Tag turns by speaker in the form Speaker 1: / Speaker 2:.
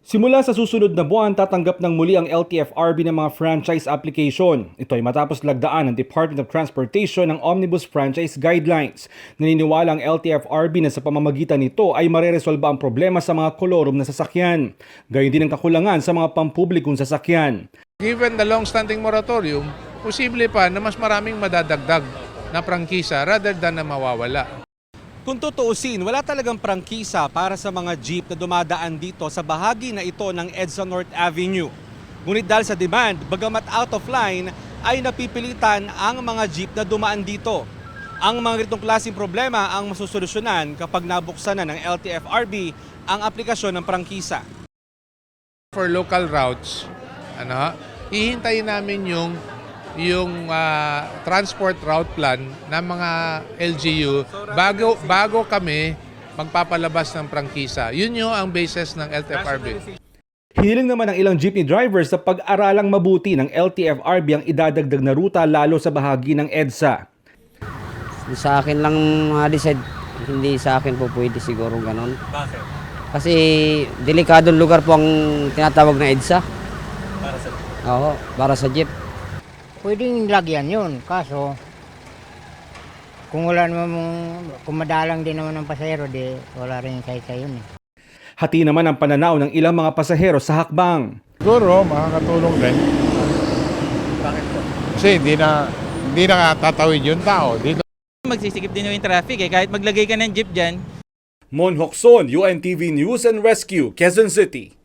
Speaker 1: Simula sa susunod na buwan, tatanggap ng muli ang LTFRB ng mga franchise application. Ito ay matapos lagdaan ng Department of Transportation ng Omnibus Franchise Guidelines. Naniniwala ang LTFRB na sa pamamagitan nito ay mareresolba ang problema sa mga kolorum na sasakyan. Gayon din ang kakulangan sa mga pampublikong sasakyan.
Speaker 2: Given the long-standing moratorium, posible pa na mas maraming madadagdag na prangkisa rather than na mawawala.
Speaker 3: Kung tutuusin, wala talagang prangkisa para sa mga jeep na dumadaan dito sa bahagi na ito ng EDSA North Avenue. Ngunit dahil sa demand, bagamat out of line, ay napipilitan ang mga jeep na dumaan dito. Ang mga ganitong klaseng problema ang masusolusyonan kapag nabuksan na ng LTFRB ang aplikasyon ng prangkisa.
Speaker 2: For local routes, hihintayin namin yung transport route plan ng mga LGU bago kami magpapalabas ng prangkisa. Yun yung ang basis ng LTFRB.
Speaker 1: Hiniling naman ng ilang jeepney drivers sa pag-aralang mabuti ng LTFRB ang idadagdag na ruta lalo sa bahagi ng EDSA.
Speaker 4: Sa akin lang ma-decide, hindi sa akin po pwede siguro ganon.
Speaker 3: Bakit?
Speaker 4: Kasi delikadong lugar po ang tinatawag na EDSA.
Speaker 3: Para sa
Speaker 4: Oo, para sa jeep.
Speaker 5: Pwedeng lagyan yun, kaso kung wala naman, kung madalang din naman ng pasahero, di wala rin kaya yun eh.
Speaker 1: Hati naman ang pananaw ng ilang mga pasahero sa hakbang.
Speaker 6: Siguro, makakatulong din.
Speaker 3: Bakit po?
Speaker 6: Kasi hindi na tatawid yung tao. Dito.
Speaker 7: Magsisikip din yung traffic kahit maglagay ka ng jeep dyan.
Speaker 1: Mon Hokson, UNTV News and Rescue, Quezon City.